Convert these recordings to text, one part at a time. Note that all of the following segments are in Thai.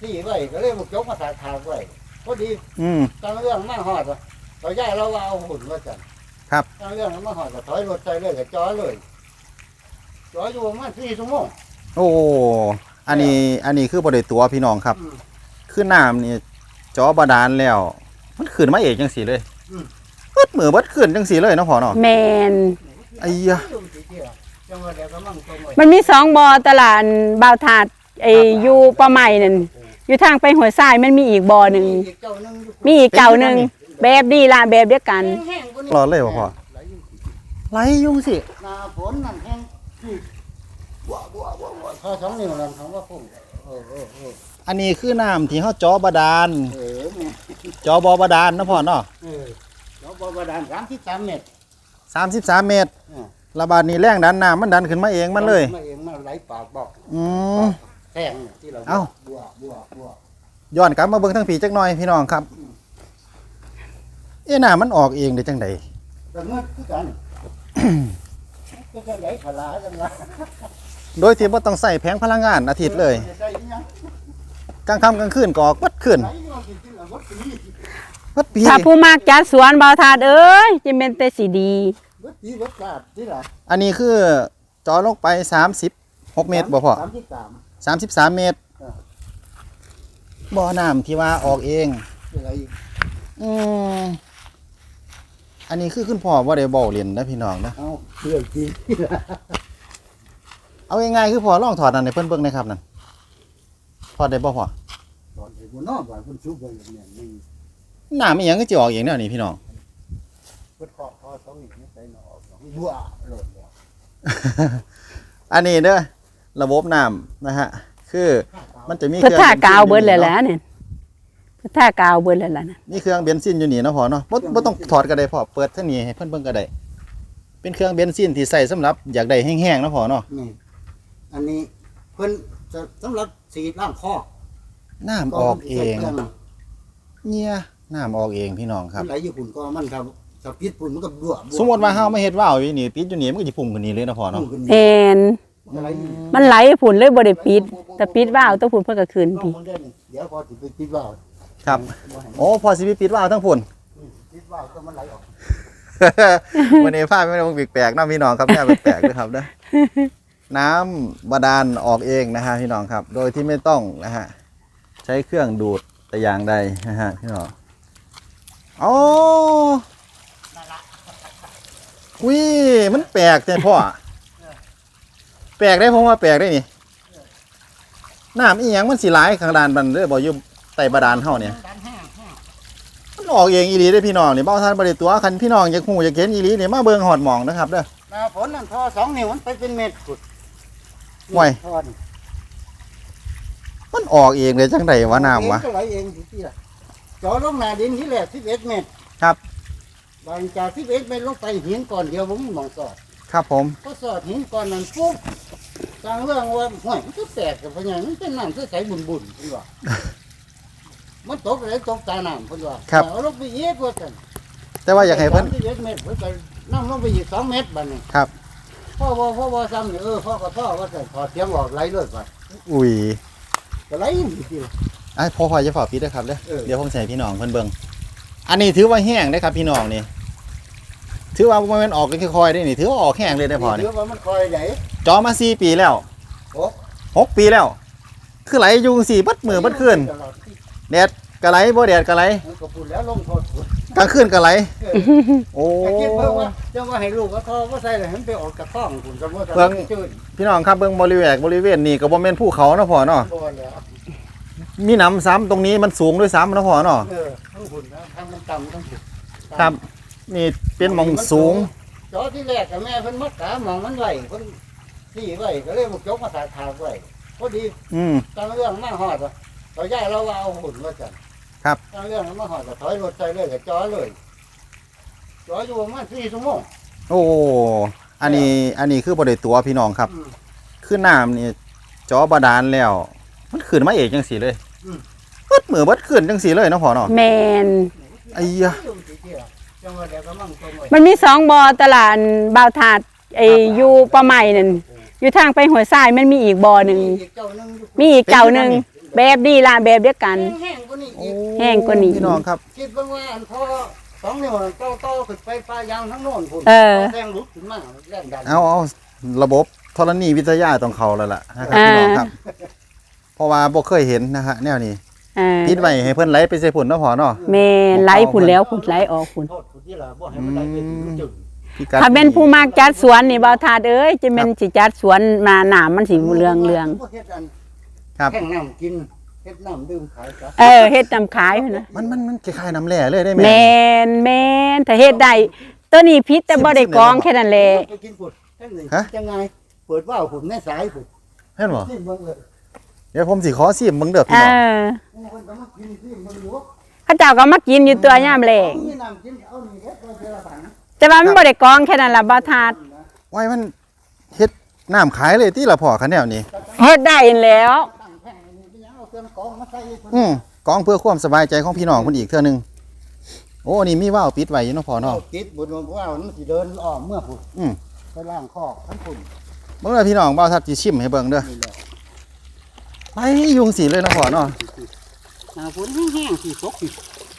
ที่ไว้ก็เลยบุกยกมาถากไว้พอดีตอนเรื่องมาหอดเราย้ายเราเอาหุ่นมาจันครับตอนเรื่องมาหอดก็ถอยรถใจเลยก็จ่อเลยจ่ออยู่ประมาณ4 ชั่วโมงโอ้อันนี้คือบ่ได้ตัวพี่น้องครับคือน้ำนี่จอบาดาลแล้วมันขึ้นมาเองจังสีเลยเบิดมือเบิดขึ้นจังสีเลยเนาะพ่อเนาะแมนไอ้ยะมันมี2 บ่อตลาดบ่าวถาดอยู่ปะใหม่นั่นอยู่ทางไปหัวทรายมันมีอีกบ่อหนึ่งมีอีกเก่าหนึ่งแบบดีละแบบเดียวกันรอเลยพ่อไหลยุ่งสิหน้าฝนนั่นแห้งบัวพอ2 นิ้วนั่นเขาว่าพุ่งอันนี้คือน้ำที่เขาจอบาดาลจอบอบาดาลนะพ่อเนาะจอบอบาดาล33 เมตร 33 เมตรระบาดนี้แรงดันน้ำมันดันขึ้นมาเองมันเลยมาเองมาไหลปากบอกแทงที่เราบัวย้อนกลับมาเบิ่งทั้งผีจักหน่อยพี่น้องครับน้ำมันออกเองได้จังใดแต่เมื่อคือกันก็ไหลขลาจังละโดยที่บ่ต้องใส่แผงพลังงานอาทิตย์เลยกลางค่ำกลางคืนก็ออกวัดขึ้นวัดปีถ้าผู้มากจัดสวนบ่าวถาดเอ้ยจะเป็นแต่สีดีอันนี้คือจอลงไป36 เมตรบ่พ่อ33 เมตรบ่อน้ำที่ว่าออกเองอันนี้คือคุณพ่อว่าได้บ่เรียนนะพี่น้องนะเอาเรื่องจริงเอาง่ายๆคือพ่อลองถอดนั่นให้เพิ่นเบิ่งนะครับนั่นถอดได้บ่พ่อถอดได้บ่เนาะว่าเพิ่นชุบไว้อย่างนี้น้ำอีหยังก็สิออกเองแนวนี้พี่น้องเพิ่นเคาะ2 นิ้วใส่หนอบัวโลดอันนี้เด้อระบบน้ำนะฮะคือมันจะมีเครื่องท่ากาวเบิดแล้วล่ะเนี่ยท่ากาวเบิดแล้วล่ะนะนี่เครื่องเบนซินอยู่นี่เนาะพ่อเนาะบ่ต้องถอดก็ได้พ่อเปิดทางนี้ให้เพิ่นเบิ่งก็ได้เป็นเครื่องเบนซินที่ใส่สำหรับอยากได้แห้งๆเนาะพ่อเนาะนี่อันนี้เพิ่นจะสำหรับสีล้างคอน้ำออกเองเนี่ยน้ำออกเองพี่น้องครับไหลอยู่ฝุ่นก็มันครับถ้าปิดฝุ่นมันก็บัวสมมติว่าเฮาไม่เฮ็ดว่าวอยู่นี่ปิดอยู่นี่มันก็สิพุ่งขึ้นนี่เลยเนาะพ่อเนาะแม่นมันไหลฝุ่นเลยบ่ได้ปิดแต่ปิดว่าวต้องฝุ่นเพิ่นก็ขึ้นพี่เดี๋ยวพอสิไปปิดว่าวครับโอ้พอสิไปปิดว่าวทั้งฝุ่นปิดว่าวก็มันไหลออกวันนี้ภาพไม่ต้องแปลกๆเนาะพี่น้องครับแม่แปลกๆด้วยครับเด้อน้ำบาดาลออกเองนะฮะพี่น้องครับโดยที่ไม่ต้องนะฮะใช้เครื่องดูดแต่อย่างใดนะฮะพี่น้องโอ้อุ้ยมันแปลกแต่พ่อแปลกได้ผมว่าแปลกได้นี่น้ำอีหยังมันสิหลายข้างด้านบันเด้อบ่อยู่ใต้บาดาลเฮาเนี่ยมันออกเองอีหลีเด้อพี่น้องนี่บ่าวท่านบ่ได้ตัวคันพี่น้องอยากฮู้อยากเห็นอีหลีนี่มาเบิ่งฮอดหม่องนะครับเด้อหน้าฝนนั่นพอ2 นิ้วมันไปเป็นเมตรพุดห่วยมันออกเองเลยจังได๋วะน้ำวะก็ไหลเองที่ล่ะเจาะลงหน้าดินที่แรก11 เมตรครับบางจาก11 เมตรลงไปหินก่อนเดียวผมมองสอดครับผมก็สอดหินก่อนนั้นปุ๊บทางเรื่องว่าห่วยมันก็แตกกับพญามันเป็นน้ำใสๆบุญๆเพิ่นว่ามันตกอะไรตกตาน้ำเพิ่นว่าเอาลงไปอีกว่าซั่นแต่ว่าอยากให้เพิ่น 11 เมตรเพิ่นก็นำลงไปอีก2 เมตรบัดนี้ครับพ่อซ้ำนี่พ่อก็พ่อว่าซั่นถอดเสียงออกไหลเลยก่อนอุ้ยก็ไหลสิไอ้พ่อจะฝากปิดด้วยครับเดี๋ยวผมใส่พี่น้องเพิ่นเบิ่งอันนี้ถือว่าแห้งได้ครับพี่น้องนี่ถือว่ามันออกค่อยๆได้นี่ถือว่าออกแห้งเลยได้พอนี่ถือว่ามันคอยไหลจอมา4 ปีแล้ว6 ปีแล้วคือไหลอยู่4บัดมือบัดคืนแดดก็ไหลบ่แดดก็ไหลก็พูดแล้วลงโทษกลางคืนก็ไหลโอ้คิดเพิ่นว่าจังว่าให้ลูกก็ทอบ่ใส่เลยให้มันไปออกกระท้องพุ่นก็บ่เบิ่งพี่น้องครับเบิ่งบริเวณนี่ก็บ่แม่นภูเขาเนาะพ่อเนาะมีน้ำซ้ำตรงนี้มันสูงด้วยซ้ำนะพ่อเนาะทั้งหุ่นทั้งมันต่ำทั้งหุ่นครับนี่เป็นหม่องสูงจอที่แรกกับแม่เพิ่นมัดขาหม่องมันไหวเพิ่นที่ไหวก็เลยบุกยกมาถากไว้พอดีตอนเรื่องมาหอดเราย้ายเราเอาหุ่นมาจันครับตอนเรื่องมาหอดก็ถอยรถใจเลยก็จอเลยจออยู่ประมาณ4 ชั่วโมงโอ้อันนี้คือบ่ได้ตัวพี่น้องครับคือน้ำนี่จอบาดาลแล้วมันขึ้นมาเองจังสีเลยเบิดมือเบิดขึ้นจังสีเลยเนาะพ่อเนาะแมนไอ้ยะมันมี2 บ่อตลาดบ่าวถาดอยู่ปะใหม่นั่นอยู่ทางไปหัวทรายมันมีอีกบ่อหนึ่งมีอีกเก่าหนึ่งแบบนี้ล่ะแบบเดียวกันแห้งกว่านี้อีกแห้งกว่านี้พี่น้องครับคิดเบิ่งว่าอันพอ2 นิ้วเต้าขึ้นไปปลายางทั้งโน่นพุ่นเออแรงลุกขึ้นมาแรงดันเอาระบบธรณีวิทยาต้องเข้าแล้วล่ะนะครับพี่น้องครับ เพราะว่าบ่เคยเห็นนะฮะแนวนี้ ปิดไว้ให้เพิ่นไหลไปใส่พุ่นเนาะพ่อเนาะแม่ไหลพุ่นแล้วพุ่นไหลออกพุ่นโทษผู้ที่ล่ะบ่ให้มันได้ไปถึงมันจึงพี่กัดถ้าเป็นผู้มักจัดสวนนี่บ่าวทาดเอ้ยจะเป็นสิจัดสวนมาหนามมันสิเรืองบ่เฮ็ดอันครับแข่งน้ำกินเฮ็ดน้ำดื่มขายซะเฮ็ดนำขายพุ่นนะมันคล้ายๆน้ำแร่เลยได้ไหมแม่นถ้าเฮ็ดได้ตัวนี้พิษแต่บ่ได้กรองแค่นั้นแหละไปกินพุ่นจังได๋จังไงเปิดว่าวพุ่นแม่สายพุ่นเห็นบ่ซิเบิ่งเลยเดี๋ยวผมสิขอซิมเบิ่งเด้อพี่น้องโอ้เพิ่นก็มากินซิเบิ่งอยู่เขาเจ้าก็มากินอยู่ตัวยามแลงมีน้ำกินเอานี่เฮ็ดไว้เทื่อละถังแต่ว่ามันบ่ได้กรองแค่นั้นล่ะบ่าวทาดไว้มันเฮ็ดน้ำขายเลยติล่ะพ่อคันแนวนี้เฮ็ดได้แล้วตั้งแผ่นนี่เป็นหยังเอาเครื่องกรองมาใส่เพิ่นกองเพื่อความสบายใจของพี่น้องเพิ่นอีกเทื่อนึงโอ้นี่มีว่าวปิดไว้อยู่เนาะพ่อเนาะติดบนว่าวมันสิเดินอ้อมเมื่อพุ่นอืมไปล้างคอกทั้งพุ่นเบิ่งเด้อพี่น้องบ่าวทับสิชิมให้เบิ่งเด้อนี่แหละไปยุงสิเลยเนาะพ่อเนาะหน้าฝนแห้งๆสิตกสิ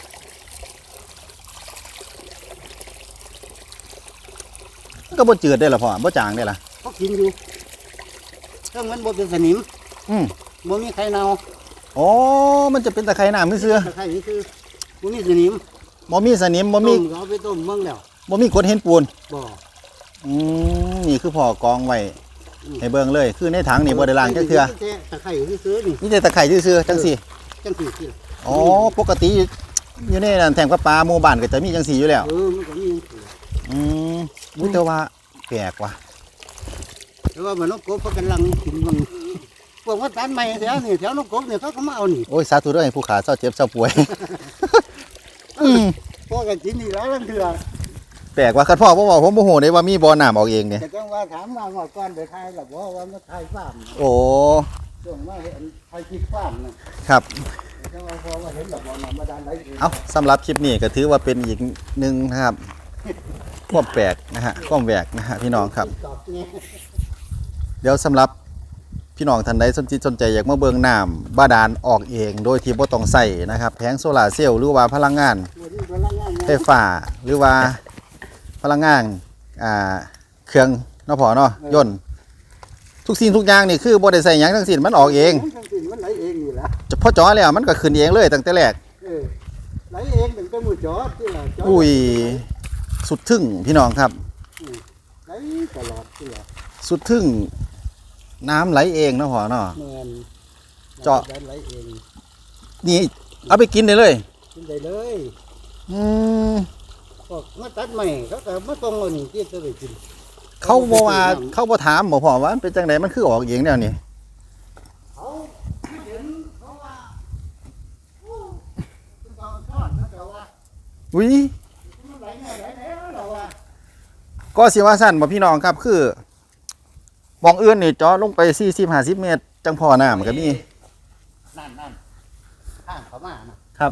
มันก็บ่จืดได้ล่ะพ่อบ่จางได้ล่ะเขากินอยู่ถ้ามันบ่เป็นสนิมอืมบ่มีไข่เน่าอ๋อมันจะเป็นตะไคร่น้ำซื่อไข่นี่คือบ่มีสนิมๆบ่มีสนิมบ่มีต้ก็เอาไปต้มเมืองแล้วบ่มีกรดเห็นปูนบ่นี่คือพ่อกองไว้ให้เบิ่งเลย คือในถังนี่บ่ได้ล้างจักเทื่อตะไคร้ซื้อๆนี่มีแต่ตะไคร่ซื่อๆจังซี่จังซี่สิอ๋อปกติอยู่ในนั้นแทงปลาหมู่บ้านก็จะมีจังซี่อยู่แล้วมันก็มีจังซี่อืมอุ๊ยแต่ว่าแปลกว่ะแต่ว่ามันนกกบเขากำลังกินมันพวกว่าตันใหม่แถวนี่แถวนกกบเนี่ยเขาก็มาเอานี่โอ้ยสาธุเด้อให้ผู้ขาเศร้าเจ็บเศร้าป่วย อืมพวกก็กินนี่แล้วนั่นคือแปลกว่าคันพ่อบ่เว้าผมบ่ฮู้เด้ว่ามีบ่อน้ำออกเองเนี่ยแต่จังว่าถามว่าหอดก่อนไปทายหรอว่ามาทายฟาร์มโอ้ช่วงว่าเห็นทายคิดฟาร์มนะครับ จังว่าพอว่าเห็นหรอกว่าน้ำบาดาลไหลเองเอาสำหรับคลิปนี้ก็ถือว่าเป็นอีกหนึ่งนะครับความแปลกนะฮะความแหวกนะฮะพี่น้องครับตอบเนี่ยเดี๋ยวสำหรับพี่น้องท่านใดสนใจอยากมาเบิ่งน้ำบาดาลออกเอง โดยที่บ่ต้องใส่นะครับแผงโซลาร์เซลล์หรือว่าพลังงานวันนี้พลังงานไฟฟ้าหรือว่าพลังงานเครื่องเนาะพอเนาะยนต์ทุกสิ่งทุกอย่างนี่คือบ่ได้ใส่หยังทั้งสิ้นมันออกเองทั้งสิ้นมันไหลเองนี่แหละพอจ่อแล้วมันก็ขึ้นเองเลยตั้งแต่แรกไหลเองถึงจะมือจอดที่ละจอดอุ้ยสุดทึ่งพี่น้องครับไหลตลอดที่ละสุดทึ่งน้ำไหลเองเนาะพอเนาะแมนเจาะไหลเองนี่เอาไปกินได้เลยกินได้เลยอืมพวกมาตัดใหม่เขาก็มาตรงเอานี่ที่จะไปกินเขาบ่ว่าเขาบ่ถามบ่พอว่ามันเป็นจังไดมันคือออกเองแนวนี้เขาเห็นเขาว่าโอ้เป็นตอนทอดนะแต่ว่าอุ้ยมันไหลเนี่ยไหลแล้วเราว่าก็สิว่าสั้นบ่พี่น้องครับคือมองอื่นนี่เจาะลงไป40-50 เมตร จังพอน้ำก็มีนั่นข้างเขามานะครับ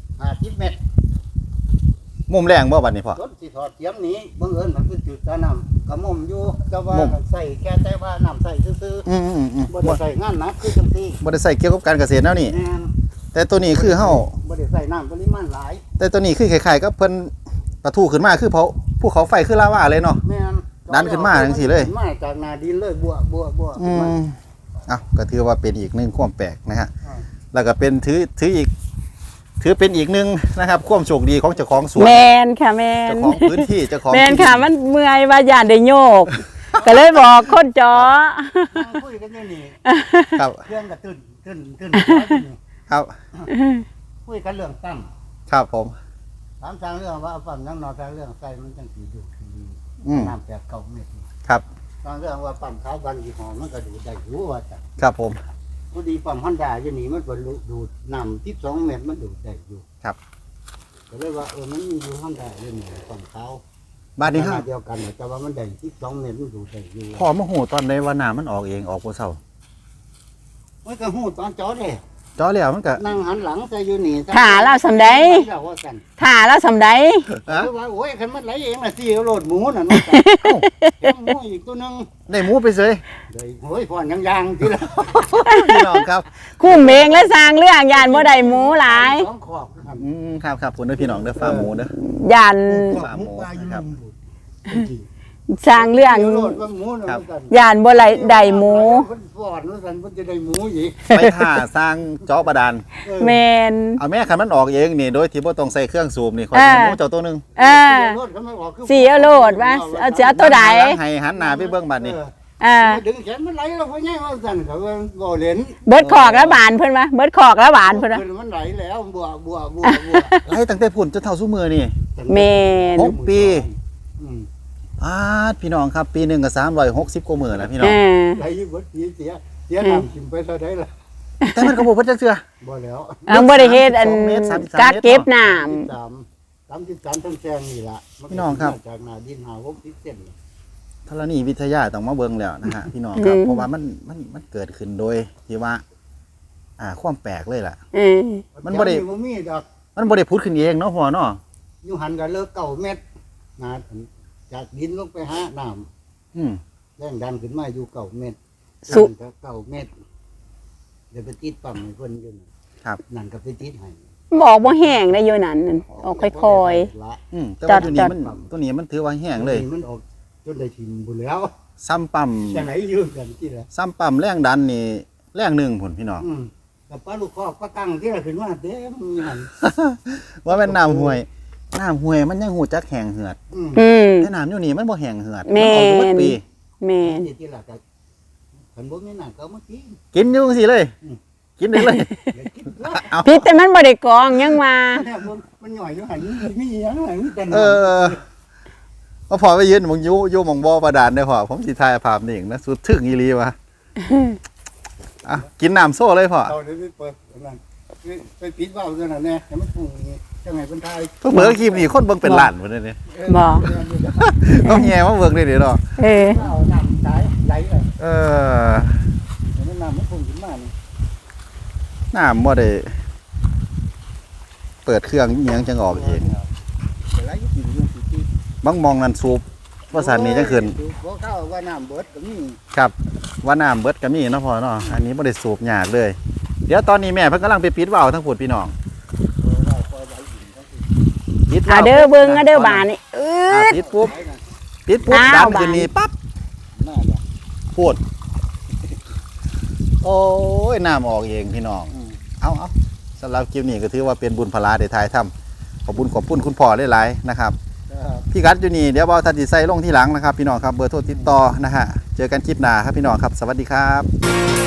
50 เมตรมุมแรงบ่บัดนี้พ่อรถสิถอดเทียมนี้บังเอิญมันคือจุดตาน้ำกระหม่อมอยู่แต่ว่ามุมใส่แค่แต่ว่าน้ำใส่ซื่ออืมๆบ่ได้ใส่งานหนักคือจังซี่บ่ได้ใส่เกี่ยวกับการเกษตรแนวนี้แม่นแต่ตัวนี้คือเฮาบ่ได้ใส่น้ำปริมาณหลายแต่ตัวนี้คือคล้ายๆกับเพิ่นปะทุขึ้นมาคือภูเขาไฟคือลาวาเลยเนาะแม่นดันขึ้นมาจังซี่เลยขึ้นมาจากหน้าดินเลยบัวอืมอ้าวก็ถือว่าเป็นอีกหนึ่งความแปลกนะฮะอ่าแล้วก็เป็นถือเป็นอีกหนึ่งนะครับความโชคดีของเจ้าของสวนแมนค่ะแมนเจ้าของพื้นที่เจ้าของแมนที่ค่ะมันเมื่อยว่าย่านได้โยก ก็เลยบอกคนจอนั่งคุยกันอยู่นี่ครับเครื่องก็ตื่นครับคุยกันเรื่องตั้งครับผมถามทางเรื่องว่าปั๊มยังนอนทางเรื่องใส่มันจังสิดูดีอืมน้ำ8 9 เมตรนี่ครับทางเรื่องว่าปั๊มขาวบันยี่ห้อมันก็ดูได้อยู่ว่าจ้ะครับผมพอดีปั๊ม Honda อยู่นี่มันก็ดูดน้ำ12 เมตรมันดูดได้อยู่ครับก็เลยว่ามันมีอยู่ Honda อยู่นี่ปั๊มขาวบ้านนี้ขฮะนาดเดียวกันน่ะแต่ว่ามันได้12 เมตรมันดูดได้อยู่พอมาหูตอนใดว่าน้ำมันออกเองออกบ่เศร้ามันก็หูตอนจอดเลยจ่อแล้วมันก็นั่งหันหลังใส่อยู่นี่ถ่าเราสำใดเราว่ากันถ่าแล้วสำใดฮะว่าโอ้ยคันมันไหลเองน่ะสิเอาโลดหมูน่ะน้องกันเห็นหมูอีกตัวหนึงได้หมูไปเลยเดี๋ยวโอ้ยพ่อนยังๆทีละพี่น้องครับคุ้มเองและสร้างเรื่องยานบ่ได้หมูหลายสองขอบครับครับคุณเด้อพี่น้องเด้อฟาร์มหมูเด้อยานขอบหมูปลาอยู่ครับลุมบุตรสร้างเรื่องเดี๋ยวโลดว่าหมูน่ะครับน้องกันยานบ่ได้หมูเพิ่นฟ้อนว่าซั่นเพิ่นจะได้หมูอีกไปท่าสร้างเจาะบาดาลแมนเอาแม่คันมันออกเองนี่โดยที่บ่ต้องใส่เครื่องสูบนี่ขออ่าสิหมูเจ้าตัวหนึงเออ สีเอาโลดวะเอาเสือตัวใดหันหลังให้หันหน้าไปเบิ่งบัดนี้ดึงแขนมันไหลแล้วพ่อใหญ่ว่าซั่นเขาว่าบ่เล่นเบิดขอกแล้วบานเพิ่นวะเบิดขอกแล้วบานเพิ่นวะมันไหลแล้วบัวไล่ตั้งแต่พุ่นจนเท่าซุมื้อนี่แมน 6 ปี พี่น้องครับปีหนึงก็360กว่ามื้อแล้วพี่น้เอองอไหลอยู่เบิดปีเสียน้ำกินไปเท่าใดล่ะแต่มันก็บ่เพิ่นจักเทื่อบ่แล้วเอาบ่ได้เฮ็ดอัน 2 เมตร 33 กักเก็บน้ 33ทั้งแซงนี่ล่ะพี่น้องครับจากหน้าดิน60เซนธรณีวิทยาต้องมาเบิ่งแล้วนะฮะพี่น้องครับเพราะว่ามันเกิดขึ้นโดยที่ว่าความแปลกเลยล่ะำเออมันบ่ได้บ่มีดอกมันบ่ได้พุดขึ้นเองเนาะพ่อเนาะอยู่หันก็เลิก9เมตรนาจากดินลงไปหาน้ำอืมแรงดันขึ้นมาอยู่9เมตรสุนั่นก็9เมตรเดี๋ยวไปติดปั๊มให้เพิ่นอยู่นั่นนั่นก็ไปติดให้บอกบ่แห้งได้อยู่นั่นนั่นออกค่อยละแต่ว่าตัวนี้จัดมันตัวนี้มันถือว่าแห้งเลยมันออกจนได้ทิมบุญแล้วซ้ำปั๊มจะไหนยืมกันที่ละซ้ำปั๊มแรงดันนี่แรงหนึ่งพุ่นพี่น้องกับป้าลูกคอกป้าตั้งที่ละขึ้นมาเด้มีหันว่าแม่นน้ำห้วยมันยังหูจักแห้งเหือดๆอืมแต่น้ำอยู่นี่มันบ่แห้งเหือดแม่นออกอยู่เบิดปีแมนที่ละกับขันบ่มีหนังก็เมื่อกี้กินอยู่จังซี่เลย กินได้เลยเดี๋ยวกินละเอาพิษแต่มันบ่ได้กรองยังมาเนี่ยมันหน่อยอยู่หันมีอย่างไรมีแต่เออว่าพอไปยืนหมองอยู่หมองบ่บาดาลได้อพอผมสิถ่ายภาพนี่เองนะสุดถึงอีหลีวะกินน้ำโซ่เลยพ่อเอาเดี๋ยวไปเปิดนั่นไปปิดว่าวตัวนั้นแน่แต่มันปรุงจังไงเป็นไทยเพิ่งเบิ่งคลิปนี้คนเบิ่งเป็นล้านพุ่นนี่บ่ต้องแย่มาเบิ่งได้เด้อเนาะเออเอาน้ำสายไหลเลยเออมันน้ำมันปรุงขึ้นมานี่น้ำบ่ได้เปิดเครื่องอิหยังจังออกเองไหลอยู่ที่อยู่ที่บางมองนั่นสูบว่าสันนี้จังขึ้นบ่เข้าว่าน้ำเบิดก็มีครับว่าน้ำเบิดก็มีเนาะพ่อเนาะอันนี้บ่ได้สูบยากเลย เดี๋ยวตอนนี้แม่เพิ่นกำลังไปปิดวาล์วทั้งพุ่นพี่น้องปิดวาล์วเด้อเบิ่งเด้อบานนี่เออปิดปุ๊บดันขึ้นนี่ปั๊บน่าจะพูดโอ้ยน้ำออกเองพี่น้องเอาสำหรับคลิปนี้ก็ถือว่าเป็นบุญพลาได้ถ่ายทำขอบคุณคุณพ่อหลายๆนะครับ พี่กัดอยู่นี่เดี๋ยวบ่าวทันสิใส่ลงที่หลังนะครับพี่น้องครับเบอร์โทรติดต่อนะฮะเจอกันคลิปหน้าครับพี่น้องครับสวัสดีครับ